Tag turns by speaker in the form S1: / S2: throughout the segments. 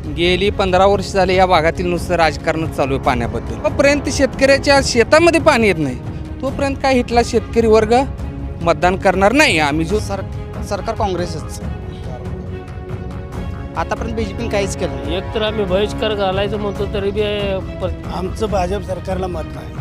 S1: गेली 15 वर्ष झाले या भागातील नुसतं राजकारणच चालू आहे पाण्याबद्दल. तोपर्यंत शेतकऱ्याच्या शेतामध्ये पाणी येत नाही तोपर्यंत काय इथला शेतकरी वर्ग मतदान करणार नाही. आम्ही जो
S2: सरकार काँग्रेसच. आतापर्यंत बीजेपीने काहीच केलं नाही.
S3: एक तर आम्ही बहिष्कार घालायचं म्हणतो तरी बी
S4: आमचं भाजप सरकारला मत नाही.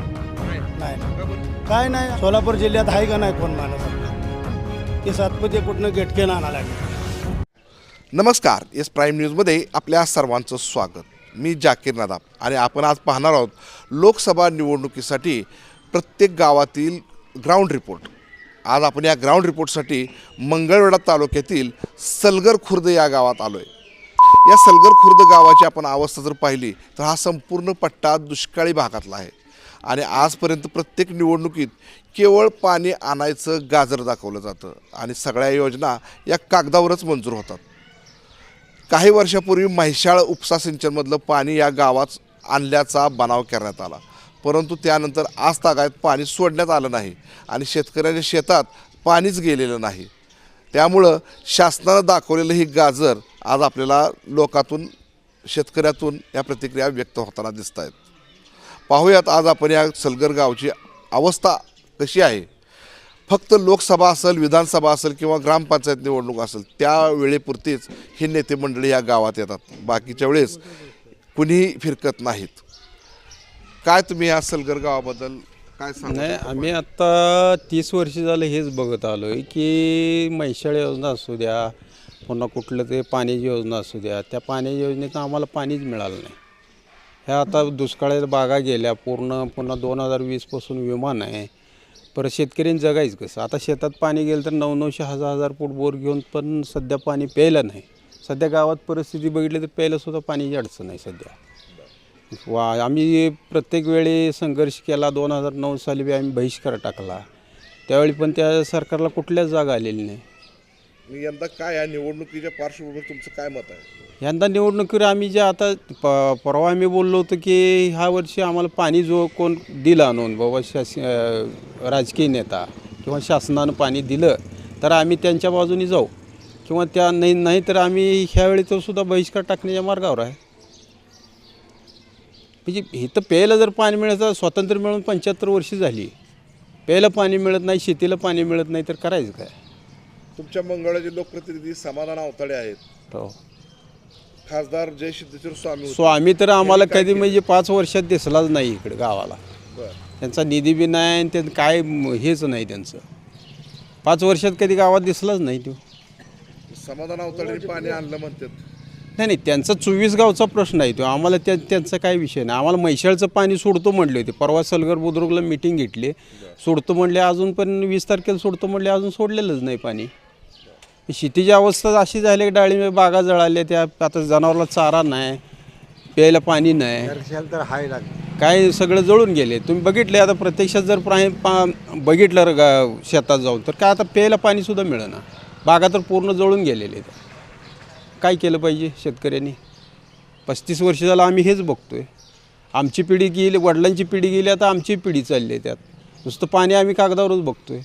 S4: काय नाही, सोलापूर जिल्ह्यात आहे का नाही कोण माणूस की सातपुते कुठनं गेटकेन आणा लागले.
S5: नमस्कार, एस प्राईम न्यूजमध्ये आपल्या सर्वांचं स्वागत. मी जाकीर नदाब आणि आपण आज पाहणार आहोत लोकसभा निवडणुकीसाठी प्रत्येक गावातील ग्राउंड रिपोर्ट. आज आपण या ग्राउंड रिपोर्टसाठी मंगळवेढा तालुक्यातील सलगर खुर्द या गावात आलो आहे. या सलगर खुर्द गावाची आपण अवस्था जर पाहिली तर हा संपूर्ण पट्टा दुष्काळी भागातला आहे आणि आजपर्यंत प्रत्येक निवडणुकीत केवळ पाणी आणायचं गाजर दाखवलं जातं आणि सगळ्या योजना या कागदावरच मंजूर होतात. काही वर्षापूर्वी म्हैसाळ उपसा सिंचनमधलं पाणी या गावात आणल्याचा बनाव करण्यात आला, परंतु त्यानंतर आज तागायत पाणी सोडण्यात आलं नाही आणि शेतकऱ्यांच्या शेतात पाणीच गेलेलं नाही. त्यामुळं शासनानं दाखवलेलं ही गाजर आज आपल्याला लोकातून शेतकऱ्यातून या प्रतिक्रिया व्यक्त होताना दिसत आहेत. पाहूयात आज आपण या सलगर गावची अवस्था कशी आहे. फक्त लोकसभा असेल, विधानसभा असेल किंवा ग्रामपंचायत निवडणूक असेल त्यावेळेपुरतीच हे नेते मंडळी या गावात येतात, बाकीच्या वेळेस कुणीही फिरकत नाहीत. काय तुम्ही या सलगर गावाबद्दल काय सांगा?
S6: नाही, आम्ही आत्ता 30 वर्ष झालं हेच बघत आलो आहे की म्हैसाळ योजना असू द्या, पुन्हा कुठलं ते पाण्याची योजना असू द्या, त्या पाण्याच्या योजनेचं आम्हाला पाणीच मिळालं नाही. ह्या आता दुष्काळाच्या बागा गेल्या पुन्हा 2020पासून विमान आहे. परत शेतकऱ्यांनी जगायचं कसं? आता शेतात पाणी गेलं तर 900-900 हजार फूट बोर घेऊन पण सध्या पाणी प्यायला नाही. सध्या गावात परिस्थिती बघितली तर प्यायलासुद्धा पाण्याची अडचण आहे सध्या. आम्ही प्रत्येक वेळी संघर्ष केला. 2009 साली बी आम्ही बहिष्कार टाकला, त्यावेळी पण त्या सरकारला कुठल्याच जागा आलेली नाही.
S5: यंदा काय या निवडणुकीच्या पार्श्वभूमीवर तुमचं काय मत आहे?
S6: यंदा निवडणुकीवर आम्ही जे आता परवा आम्ही बोललो होतो की ह्या वर्षी आम्हाला पाणी जो कोण दिलं आणून बाबा राजकीय नेता किंवा शासनानं पाणी दिलं तर आम्ही त्यांच्या बाजूने जाऊ किंवा त्या नाही तर आम्ही ह्यावेळी तो सुद्धा बहिष्कार टाकण्याच्या मार्गावर आहे. म्हणजे इथं प्यायला जर पाणी मिळायचं, स्वातंत्र्य मिळून 75 वर्ष झाली, प्यायला पाणी मिळत नाही, शेतीला पाणी मिळत नाही, तर करायचं काय?
S5: तुमच्या मंगळवेढ्याचे लोकप्रतिनिधी समाधान अवताडे आहेत,
S6: हो.
S5: खासदार जय सिद्धेश्वर स्वामी
S6: स्वामी तर आम्हाला कधी म्हणजे 5 वर्षात दिसलाच नाही इकडे गावाला. त्यांचा निधी बी नाही आणि त्यांचं काय हेच नाही, त्यांचं 5 वर्षात कधी गावात दिसलाच नाही. तो
S5: समाधान अवताडे पाणी आणलं म्हणतात.
S6: नाही, त्यांचा 24 गावचा प्रश्न आहे तो. आम्हाला त्यांचा काय विषय नाही. आम्हाला म्हैसाळचं पाणी सोडतो म्हणले होते. परवा सलगर बुद्रुकला मीटिंग घेतली, सोडतो म्हणले, अजून पण 20 तारखेला सोडतो म्हणले, अजून सोडलेलंच नाही पाणी. शेतीची अवस्था अशी झाली की डाळिंब बागा जळाल्या, त्या आता जनावराला चारा नाही, प्यायला पाणी नाही,
S4: तर हाय
S6: काय सगळं जळून गेले. तुम्ही बघितले आता प्रत्यक्षात जर बघितलं शेतात जाऊन तर काय आता प्यायला पाणीसुद्धा मिळेना. बागा तर पूर्ण जळून गेलेले आहेत. काय केलं पाहिजे शेतकऱ्यांनी? 35 वर्ष झालं आम्ही हेच बघतोय. आमची पिढी गेली, वडिलांची पिढी गेली, आता आमची पिढी चालली आहे. त्यात नुसतं पाणी आम्ही कागदावरच बघतोय.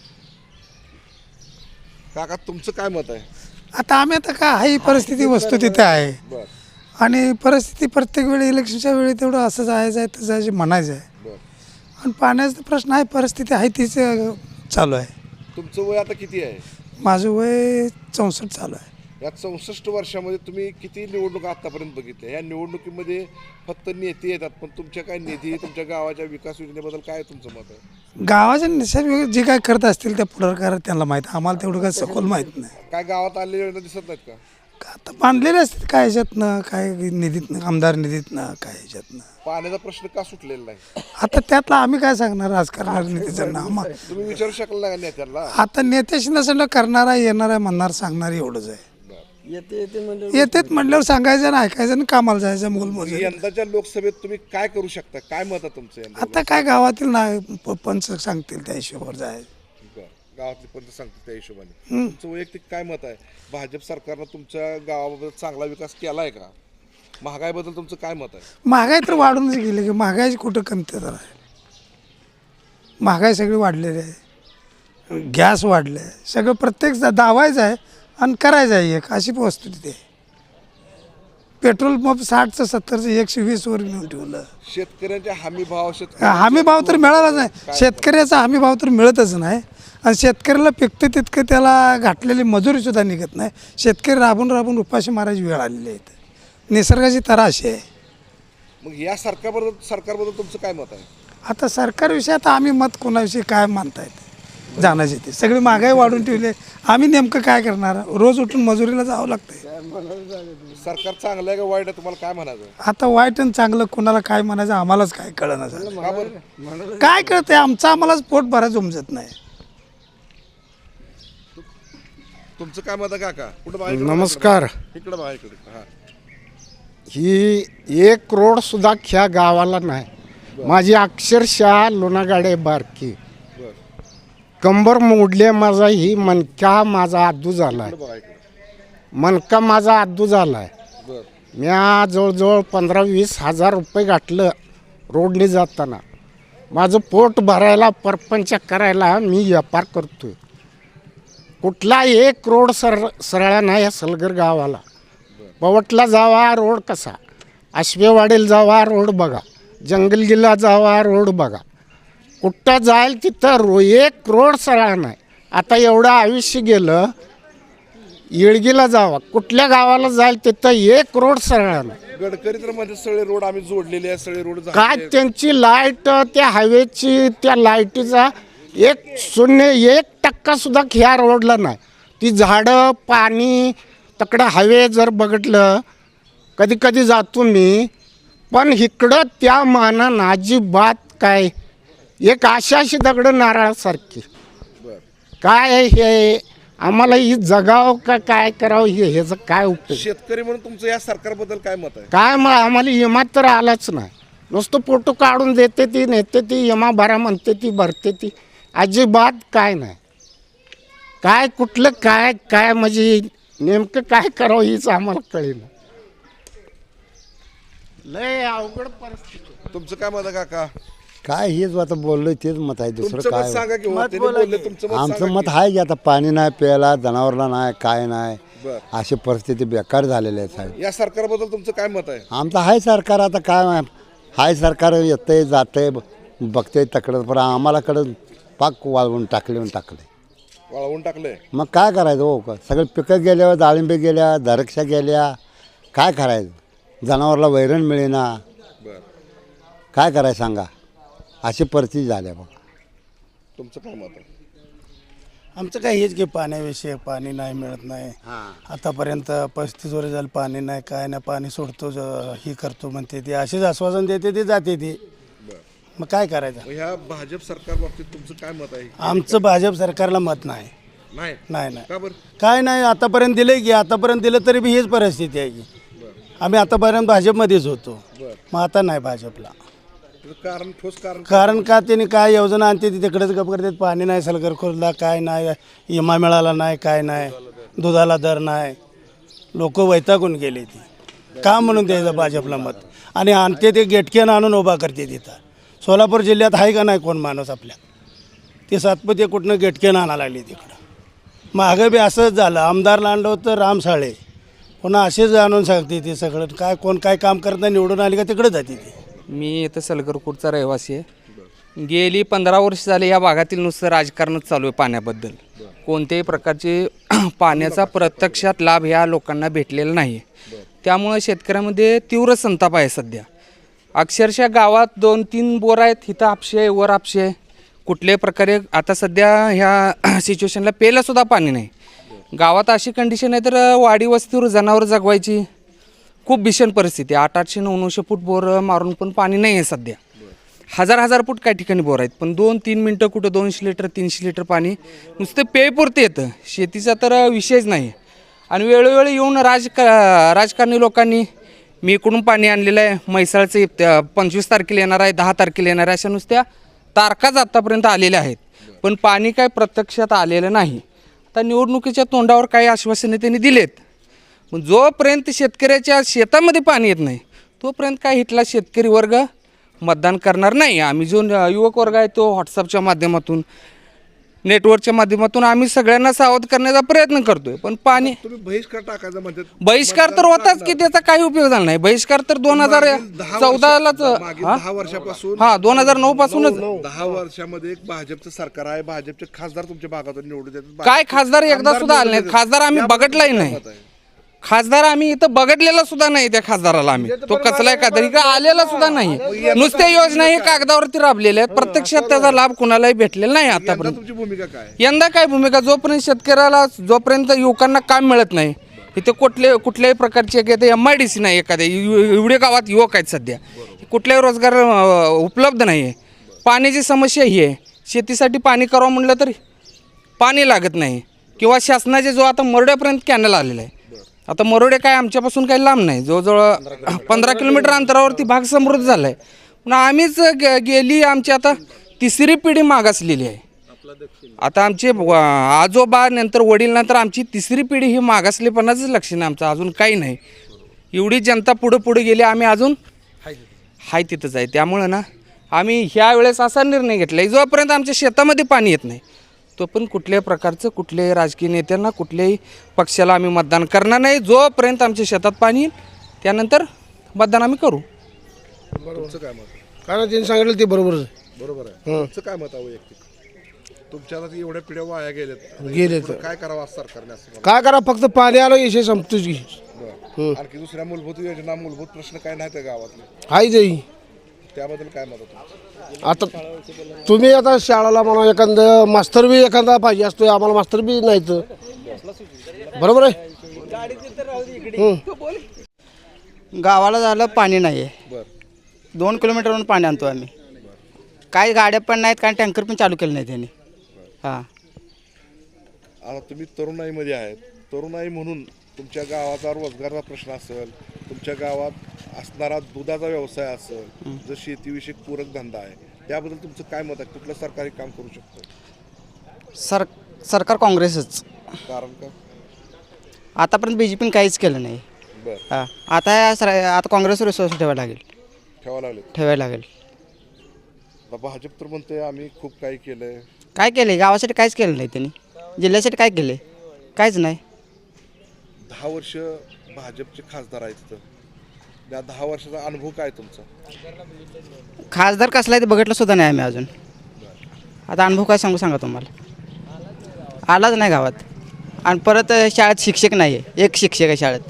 S5: काका तुमचं काय मत आहे?
S7: आता आम्ही आता काय आहे, परिस्थिती वस्तू तिथे आहे आणि परिस्थिती प्रत्येक वेळी इलेक्शनच्या वेळी तेवढं असं जायचं आहे तसं जायचं म्हणायचं आहे. आणि पाण्याचा प्रश्न आहे, परिस्थिती आहे तीच चालू आहे.
S5: तुमचं वय आता किती आहे?
S7: माझं वय 64 चालू आहे.
S5: या 64 वर्षामध्ये तुम्ही किती निवडणुका आतापर्यंत बघितल्या? या निवडणुकीमध्ये फक्त नेते येतात, पण तुमच्या काय निधी, तुमच्या गावाच्या विकास योजनेबद्दल काय तुमचं मत आहे?
S7: गावाच्या निसर्ग जे काय करत असतील त्या पुढाकार त्यांना माहीत, आम्हाला तेवढं काय सखोल माहीत नाही.
S5: काय गावात आलेल्या योजना दिसत नाहीत का?
S7: आता बांधलेले असतात काय ह्याच्यातनं, काय निधीतनं, आमदार निधीतनं, काय ह्याच्यातनं.
S5: पाण्याचा प्रश्न का सुटलेला नाही?
S7: आता त्यातला आम्ही काय सांगणार राजकारणाला, नेत्याचं नाव
S5: तुम्ही विचारू शकला नाही का नेत्याला?
S7: आता नेत्याशी नसेल करणारा, येणारा, म्हणणार, सांगणार एवढंच आहे. येतेत म्हटल्यावर सांगायचं ना, ऐकायचं आणि कामाला जायचं मोलमोज.
S5: यंदाच्या लोकसभेत तुम्ही काय करू शकता? काय मत आहे तुमचं यंदा?
S7: आता काय गावातील ना पंच सांगतील त्या हिशोबावर जायचं.
S5: गावातले पंच सांगतील त्या हिशोबाने. तुमचं वैयक्तिक काय मत आहे? भाजप सरकारनं तुमच्या गावाबद्दल चांगला विकास केला आहे का? महागाईबद्दल तुमचं काय मत आहे?
S7: महागाई तर वाढूनच गेली की, महागाईची कुठं कमतरता आहे? महागाई सगळी वाढलेली आहे, गॅस वाढले आहे, सगळं प्रत्येक दावायचं आहे आणि करायचं आहे एक, अशी वस्तू तिथे. पेट्रोल पंप 60चं 70चं 120वर नेऊन ठेवलं.
S5: शेतकऱ्यांच्या हमी भाव
S7: हमी भाव तर मिळालाच नाही. शेतकऱ्याचा हमी भाव तर मिळतच नाही आणि शेतकऱ्याला पिकतं तितकं त्याला घातलेली मजुरीसुद्धा निघत नाही. शेतकरी राबून राबून उपाशी मारायची वेळ आलेली आहे. निसर्गाची तराशी आहे.
S5: मग या सरकारबद्दल तुमचं काय मत आहे?
S7: आता सरकारविषयी आता आम्ही मत कोणाविषयी काय मानता येते जाण्याचे ते सगळी महागाई वाढून ठेवली. आम्ही नेमकं काय करणार? रोज उठून मजुरीला जावं लागतंय.
S5: सरकार चांगलं आहे का वाईट आहे तुम्हाला काय म्हणायचं?
S7: आता वाईट आणि चांगलं कोणाला काय म्हणायचं आम्हालाच काय कळणार झालं. काय कळतंय आमचं आम्हालाच पोट भरायचं उमजत नाही.
S5: तुमचं काय मत आहे काका? कुठं बघा
S8: नमस्कार.
S5: इकडं बघा इकडे. हा
S8: ही 1 रोड सुद्धा ह्या गावाला नाही. माझी अक्षरशः लोणागाडे बारकी कंबर मोडले. माझा ही मणका माझा आदू झालाय. मणका माझा आदू झालाय. मी जवळजवळ 15-20 हजार रुपये घातलं रोडने जाताना. माझं पोट भरायला परपंच करायला मी व्यापार करतोय. कुठला 1 रोड सरळा नाही या सलगर गावाला. पवटला जावा रोड कसा, आश्वेवाडीला जावा रोड बघा, जंगलगीला जावा रोड बघा. कुठं जाईल तिथं 1 रोड सरळ नाही. आता एवढं आयुष्य गेलं. येळगीला जावा, कुठल्या गावाला जाईल तिथं 1 रोड सरळ नाही.
S5: गडकरी तर म्हणजे सगळे रोड आम्ही जोडलेले आहे. सगळे रोड
S8: काय त्यांची लाईट, त्या हायवेची त्या लाईटीचा 1% सुद्धा ह्या रोडला नाही. ती झाडं पाणी तकडं हवे जर बघितलं कधी कधी जातो मी. पण इकडं त्या मानानं अजिबात काय एक आशाशी दगडं नारळासारखी. काय हे आम्हाला ही जगाव का काय करावं ह्याचं काय उपयोग?
S5: शेतकरी म्हणून तुमचं या सरकारबद्दल काय मत आहे?
S8: काय मग आम्हाला विमा तर आलाच नाही. नुसतं फोटो काढून देते ती, नेते ती, विमा भरा म्हणते ती, भरते ती. अजिबात काय नाही. काय कुठलं काय काय म्हणजे नेमकं काय करावं हीच आम्हाला कळेना. लय अवघड परिस्थिती.
S5: तुमचं काय मत आहे काका?
S9: काय हेच आता बोललोय तेच मत आहे. दुसरं
S5: तुमचं मत
S9: काय
S5: सांगा की हो, त्यांनी बोलले तुमचं मत
S9: आमचं
S5: सांगा
S9: मत आहे की आता पाणी नाही प्यायला, जनावरला नाही, काय नाही.
S5: बरं.
S9: अशी परिस्थिती बेकार झालेली आहे साहेब.
S5: की. या सरकारबद्दल तुमचं काय मत आहे?
S9: आमचं आहे सरकार आता काय हाय सरकार येतंय जातंय बघतंय तकडं, पण आम्हालाकडं पाक वाळवून टाकले.
S5: वाळवून टाकलंय.
S9: मग काय करायचं हो? सगळे पिकं गेल्या, डाळिंबे गेल्या, द्राक्षा गेल्या, काय करायचं? जनावरला वैरण मिळेना,
S5: बरं.
S9: काय करायचं सांगा? अशी परिस्थिती झाली आहे बघा.
S5: तुमचं काय मत आहे?
S4: आमचं काय हेच की पाण्याविषयी पाणी नाही मिळत नाही. आतापर्यंत 35 वर्ष झालं पाणी नाही, काय नाही. पाणी सोडतो ही करतो म्हणते ती, अशीच आश्वासन देते ती, जाते ती. मग काय करायचं?
S5: मग ह्या भाजप सरकार बाबतीत तुमचं काय मत आहे?
S4: आमचं भाजप सरकारला मत नाही.
S5: नाही
S4: नाही नाही
S5: का बरं?
S4: काय नाही. आतापर्यंत दिलं की, आतापर्यंत दिलं तरी बी हीच परिस्थिती आहे की. आम्ही आतापर्यंत भाजपमध्येच होतो. मग आता नाही भाजपला.
S5: त्याचं कारण ठोस
S4: कारण का त्यांनी काय योजना आणते ती तिकडेच गप करतात. पाणी नाही सलगर खोरला, काय नाही, विमा मिळाला नाही, काय नाही, दुधाला दर नाही. लोक वैतागून गेले ती. का म्हणून द्यायचं भाजपला मत? आणि आणते ते गेटकेनं आणून उभा करते तिथं. सोलापूर जिल्ह्यात आहे का नाही कोण माणूस आपल्या? ते सातपती कुठनं गेटकेनं आणायला लागली तिकडं. मागं बी असंच झालं. आमदारला आणलं होतं राम साळे, पुन्हा असेच आणून सांगते ती सगळं. काय कोण काय काम करत नाही, निवडून आली का तिकडे जाते ती.
S1: मी इथं सलगरपूरचा रहिवासी आहे. गेली 15 वर्ष झाले या भागातील नुसतं राजकारणच चालू आहे पाण्याबद्दल. कोणत्याही प्रकारचे पाण्याचा प्रत्यक्षात लाभ ह्या लोकांना भेटलेला नाही. त्यामुळे शेतकऱ्यामध्ये तीव्र संताप आहे सध्या. अक्षरशः गावात 2-3 बोर आहेत, इथं आपशे आहे, वर आपशे आहे. कुठल्याही प्रकारे आता सध्या ह्या सिच्युएशनला प्यायलासुद्धा पाणी नाही. गावात अशी कंडिशन आहे तर वाडी वस्तीवर जनावर जगवायची खूप भीषण परिस्थिती. 800-900 फूट बोर मारून पण पाणी नाही आहे सध्या. 1000 फूट काही ठिकाणी बोर आहेत, पण 2-3 मिनटं कुठं 200 लिटर 300 लिटर पाणी नुसतं पेयपुरते येतं. शेतीचा तर विषयच नाही. आणि वेळोवेळी येऊन राजकारणी लोकांनी मी इकडून पाणी आणलेलं आहे, म्हैसाळचं 25 तारखेला येणार आहे, 10 तारखेला येणार आहे, अशा नुसत्या तारखाच आत्तापर्यंत आलेल्या आहेत. पण पाणी काय प्रत्यक्षात आलेलं नाही. आता निवडणुकीच्या तोंडावर काही आश्वासने त्यांनी दिलेत, पण जोपर्यंत शेतकऱ्याच्या शेतामध्ये पाणी येत नाही तोपर्यंत काय इथला शेतकरी वर्ग मतदान करणार नाही. आम्ही जो युवक वर्ग आहे तो व्हॉट्सअपच्या माध्यमातून नेटवर्कच्या माध्यमातून आम्ही सगळ्यांना सावध करण्याचा प्रयत्न करतोय. पण पाणी
S5: तुम्ही बहिष्कार टाकायचा म्हणतात.
S1: बहिष्कार तर होताच की, त्याचा काही उपयोग झाला नाही. बहिष्कार तर 2014लाच
S5: 10 वर्षापासून
S1: 2009 पासूनच
S5: 10 वर्षामध्ये एक भाजपचं सरकार आहे. भाजपचे खासदार तुमच्या भागातून निवडून येतात.
S1: काय खासदार एकदा सुद्धा आले नाहीत. खासदार आम्ही बघितलाही नाही. खासदार आम्ही इथं बघितलेला सुद्धा नाही. त्या खासदाराला आम्ही तो कसलाय का तरी का आलेला सुद्धा नाही. नुसत्या योजना हे कागदावरती राबलेल्या आहेत. प्रत्यक्षात त्याचा लाभ कुणालाही भेटलेला नाही आतापर्यंत.
S5: तुमची भूमिका काय?
S1: यंदा काय भूमिका, जोपर्यंत शेतकऱ्याला जोपर्यंत युवकांना काम मिळत नाही, इथे कुठल्याही प्रकारची MIDC नाही. एखाद्या एवढे गावात युवक आहेत सध्या, कुठलाही रोजगार उपलब्ध नाही आहे. पाण्याची समस्या ही आहे. शेतीसाठी पाणी करावं म्हटलं तरी पाणी लागत नाही. किंवा शासनाचे जो आता मरोड्यापर्यंत कॅनल आलेला आहे. आता मरोडे काय आमच्यापासून काही लांब नाही, जवळजवळ 15 किलोमीटर अंतरावरती भाग समृद्ध झाला आहे. पण आम्हीच गेली आमची आता 3री पिढी मागासलेली आहे. आता आमचे आजोबा नंतर वडील नंतर आमची 3री पिढी ही मागासलेपणाचंच लक्षण आहे आमचं. अजून काही नाही. एवढी जनता पुढे गेली, आम्ही अजून हाय तिथंच आहे. त्यामुळं ना आम्ही ह्या वेळेस असा निर्णय घेतला आहे, जोपर्यंत आमच्या शेतामध्ये पाणी येत नाही तो पण कुठल्याही प्रकारचं कुठल्याही राजकीय नेत्यांना कुठल्याही पक्षाला आम्ही मतदान करणार नाही. जोपर्यंत आमच्या शेतात पाणी येईल त्यानंतर मतदान आम्ही करू.
S5: तुमचं काय मत?
S4: कारण त्यांनी सांगितलं ते बरोबरच आहे.
S5: बरोबर आहे. तुमचं काय मत आहे वैयक्तिक? तुमच्या आता एवढ्या पिढ्या वाया गेल्यात,
S4: गेले तर
S5: काय करावं सरकारने असं?
S4: काय करा, फक्त पाणी आलं विषय संपतोच की.
S5: आणखी दुसऱ्या मूलभूत योजना, मूलभूत प्रश्न काय नाही त्या गावातले,
S4: हाय जाई.
S5: त्याबद्दल काय मत आहे?
S4: आता तुम्ही आता शाळेला म्हणा एखादं मास्तर बी एखादा पाहिजे असतो, आम्हाला मास्तर बी नाही तर बरोबर आहे.
S2: गावाला झालं पाणी नाही आहे. 2 किलोमीटरवरून पाणी आणतो आम्ही. काही गाड्या पण नाहीत, काही टँकर पण चालू केले नाही त्यांनी. हां,
S5: आता तुम्ही तरुणाईमध्ये आहेत. तरुणाई म्हणून तुमच्या गावाचा रोजगाराचा प्रश्न असेल, तुमच्या गावात असणारा दुधाचा व्यवसाय असेल, जर शेतीविषयक पूरक धंदा आहे, त्याबद्दल तुमचं काय मत आहे? कुठलं सरकारी काम करू शकतं?
S2: सरकार काँग्रेसच.
S5: कारण का?
S2: आतापर्यंत BJPने काहीच केलं नाही.
S5: बरं,
S2: हां, आता काँग्रेसवर विश्वास ठेवायला लागेल.
S5: आता भाजप तर म्हणते आम्ही खूप काही केलंय.
S2: काय केलं गावासाठी? काहीच केलं नाही त्यांनी. जिल्ह्यासाठी काय केले? काहीच नाही.
S5: 10 वर्ष भाजपचे खासदार आहेत तिथं. त्या 10 वर्षाचा अनुभव काय तुमचा?
S2: खासदार कसला आहे ते बघितलं सुद्धा नाही आम्ही अजून. आता अनुभव काय सांगा तुम्हाला. आलाच नाही गावात. आणि परत शाळेत शिक्षक नाही आहे. एक शिक्षक आहे शाळेत.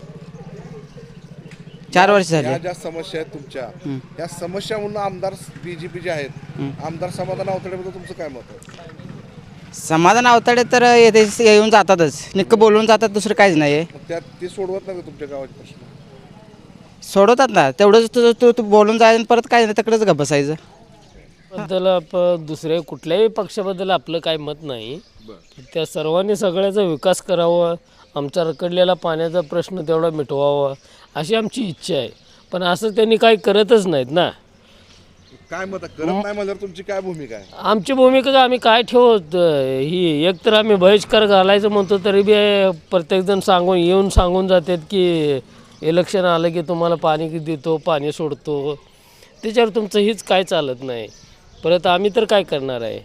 S2: 4 वर्ष झाली.
S5: या ज्या समस्या आहेत तुमच्या, या समस्या म्हणून आमदार BJPचे आहेत, आमदार समाधान अवतडेबद्दल तुमचं काय मत आहे?
S2: समाधान अवताडे तर येऊन जातातच, निक्क बोलून जातात, दुसरं काहीच नाही आहे.
S5: मग त्यात ते सोडवत नाही का तुमच्या गावाचे प्रश्न?
S2: सोडवतात ना, तेवढंच तू बोलून जायचं आणि परत काय नाही तिकडेच गप्प बसायचं.
S3: बद्दल दुसऱ्या कुठल्याही पक्षाबद्दल आपलं काही मत नाही. त्या सर्वांनी सगळ्याचा विकास करावा, आमचा रखडलेला पाण्याचा प्रश्न तेवढा मिटवावा अशी आमची इच्छा आहे. पण असं त्यांनी काही करतच नाहीत ना.
S5: काय मत आहे? करत नाही म्हणजे तुमची काय भूमिका आहे?
S3: आमची भूमिका आम्ही काय ठेवत ही, एक तर आम्ही बहिष्कार घालायचं म्हणतो तरी बी प्रत्येकजण येऊन सांगून जातात की इलेक्शन आलं की तुम्हाला पाणी देतो, पाणी सोडतो. त्याच्यावर तुमचं हीच काय चालत नाही. परत आम्ही तर काय करणार आहे?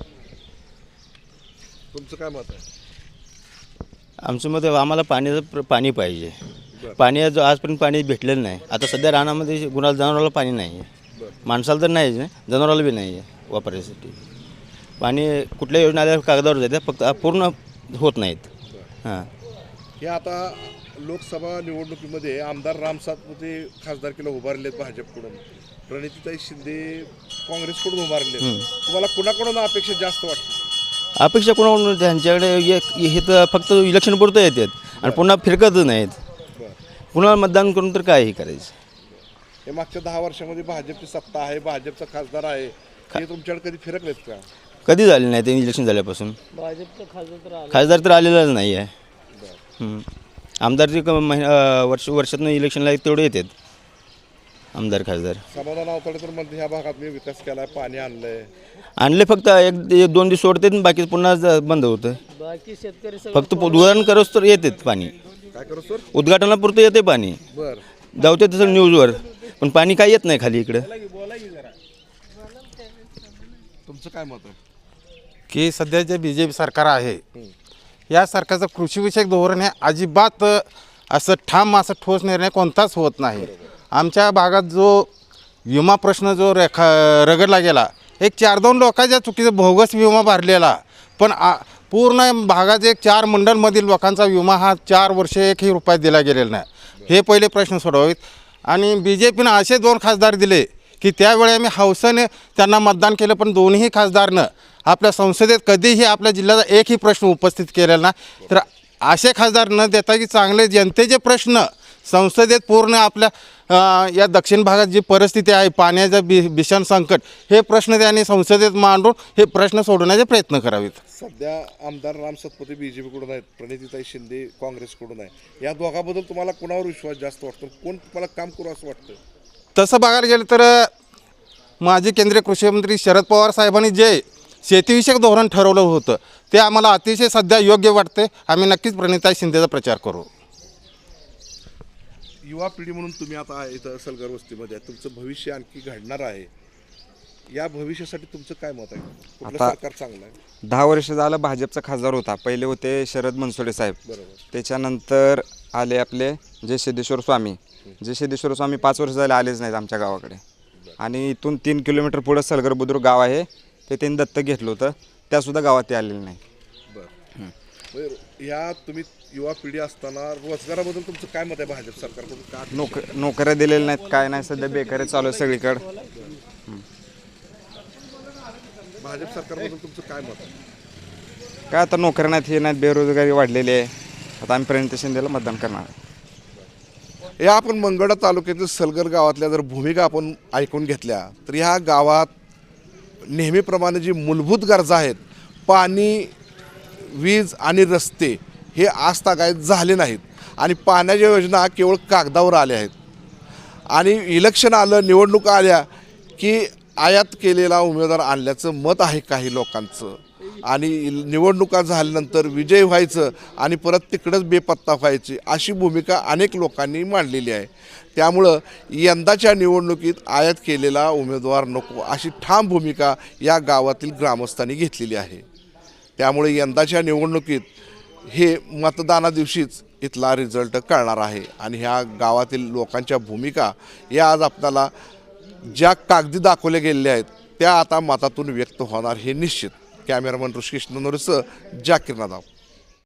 S5: तुमचं काय मत आहे?
S10: आमचं मत आम्हाला पाणी पाहिजे. पाणी आजपर्यंत पाणी भेटलेलं नाही. आता सध्या रानामध्ये जनावराला पाणी नाही आहे. माणसाला तर नाहीच नाही, जनावराला बी नाही आहे वापरायसाठी. पाणी कुठल्या योजना आल्या कागदावर जाते, फक्त पूर्ण होत नाहीत. हां,
S5: हे आता लोकसभा निवडणुकीमध्ये आमदार राम सातपुते खासदारकीला उभारले आहेत भाजपकडून, प्रणितीताई शिंदे काँग्रेसकडून उभारले. तुम्हाला कुणाकडून अपेक्षा जास्त वाटते?
S10: अपेक्षा कोणाकडून? त्यांच्याकडे हे तर फक्त इलेक्शन पुरतं येतात आणि पुन्हा फिरकतच नाहीत. पुन्हा मतदान करून तर काय हे करायचं?
S5: हे मागच्या 10 वर्षामध्ये भाजपची सत्ता आहे, भाजपचा खासदार आहे, हे तुमच्याकडे कधी फिरकलेत का?
S10: कधी झाले नाही ते इलेक्शन झाल्यापासून.
S3: भाजपचं
S10: खासदार तर आलेलाच नाही आहे. आमदार जे वर्षातून इलेक्शनला तेवढे येतात आमदार खासदार.
S5: समाधान अवतडे तर म्हणते ह्या भागात मी विकास केला, पाणी
S10: आणले, फक्त एक 2 दिवस सोडतात, बाकी पुन्हा बंद होतं.
S3: बाकी शेतकरी
S10: फक्त उद्घाटन करोस तर येतात पाणी.
S5: काय करू सर?
S10: उद्घाटनापुरतं येते पाणी, जाऊते तसं न्यूजवर, पण पाणी काय येत नाही खाली इकडं.
S5: तुमचं काय मत आहे?
S6: की सध्या जे बी जे पी सरकार आहे या सरकारचं कृषीविषयक धोरण हे अजिबात असं ठाम असं ठोस निर्णय कोणताच होत नाही. आमच्या भागात जो विमा प्रश्न जो रगडला गेला, एक 4-2 लोकांच्या चुकीचा बोगस विमा भरलेला, पण पूर्ण भागात एक 4 मंडलमधील लोकांचा विमा हा 4 वर्षे 1ही रुपया दिला गेलेला नाही. हे पहिले प्रश्न सोडवावेत. आणि बी जे पीनं असे 2 खासदार दिले की त्यावेळी आम्ही हौसेने त्यांना मतदान केलं, पण दोन्ही खासदारनं आपल्या संसदेत कधीही आपल्या जिल्ह्याचा एकही प्रश्न उपस्थित केलेला नाही. तर असे खासदार न देता की चांगले जनतेचे प्रश्न संसदेत पूर्ण आपल्या या दक्षिण भागात जी परिस्थिती आहे, पाण्याचं भीषण संकट, हे प्रश्न त्यांनी संसदेत मांडून हे प्रश्न सोडवण्याचे प्रयत्न करावेत.
S5: सध्या आमदार राम सतपथे बीजेपीकडून आहेत, प्रणितीताई शिंदे काँग्रेसकडून आहे. या दोघांबद्दल तुम्हाला कोणावर विश्वास जास्त वाटतो? कोण तुम्हाला काम करू असं वाटतं?
S6: तसं बघायला गेलं तर माजी केंद्रीय कृषी मंत्री शरद पवार साहेबांनी जे शेतीविषयक धोरण ठरवलं होतं ते आम्हाला अतिशय सध्या योग्य वाटते. आम्ही नक्कीच प्रणितीताई शिंदेचा प्रचार करू.
S5: युवा पिढी म्हणून तुम्ही आता इथं सलगर वस्तीमध्ये आहे, तुमचं भविष्य आणखी घडणार आहे. या भविष्यासाठी तुमचं काय मत आहे? कुठलं सरकार चांगलं आहे?
S11: 10 वर्ष झालं भाजपचा खासदार होता. पहिले होते शरद मनसोडे साहेब, त्याच्यानंतर आले आपले जय सिद्धेश्वर स्वामी. जय सिद्धेश्वर स्वामी 5 वर्ष झाले आलेच नाहीत आमच्या गावाकडे. आणि इथून 3 किलोमीटर पुढं सलगर बुद्रुक गाव आहे, ते त्यांनी दत्तक घेतलं होतं, त्यासुद्धा गावात ते आलेले नाही.
S5: बरं, या तुम्ही युवा पिढी असताना रोजगाराबद्दल तुमचं काय मत आहे? भाजप सरकारकडून का
S11: नोकऱ्या दिलेल्या नाहीत, काय नाही, सध्या बेकारी चालू आहे सगळीकडं.
S5: भाजप सरकारबद्दल तुमचं काय मत आहे?
S11: काय आता नोकऱ्या नाहीत, हे नाहीत, बेरोजगारी वाढलेली आहे. आता आम्ही प्रणिती शिंदेला मतदान करणार.
S5: या आपण मंगळा तालुक्यातील सलगर गावातल्या जर भूमिका आपण ऐकून घेतल्या तर ह्या गावात नेहमीप्रमाणे जी मूलभूत गरजा आहेत, पाणी, वीज आणि रस्ते, हे आजतागायत झाले नाहीत. आणि पाण्याच्या योजना केवळ कागदावर आल्या आहेत. आणि इलेक्शन आलं, निवडणुका आल्या की आयात केलेला उमेदवार आणल्याचं मत आहे काही लोकांचं. आणि निवडणुका झाल्यानंतर विजय व्हायचं आणि परत तिकडंच बेपत्ता व्हायची, अशी भूमिका अनेक लोकांनी मांडलेली आहे. त्यामुळं यंदाच्या निवडणुकीत आयात केलेला उमेदवार नको, अशी ठाम भूमिका या गावातील ग्रामस्थांनी घेतलेली आहे. त्यामुळे यंदाच्या निवडणुकीत हे मतदानादिवशीच इथला रिझल्ट कळणार आहे. आणि ह्या गावातील लोकांच्या भूमिका या आज आपल्याला ज्या कागदी दाखवल्या गेलेल्या आहेत त्या आता मतातून व्यक्त होणार हे निश्चित. कॅमेरामन ऋषिकेश ननोरेसह जाकीर नादाव.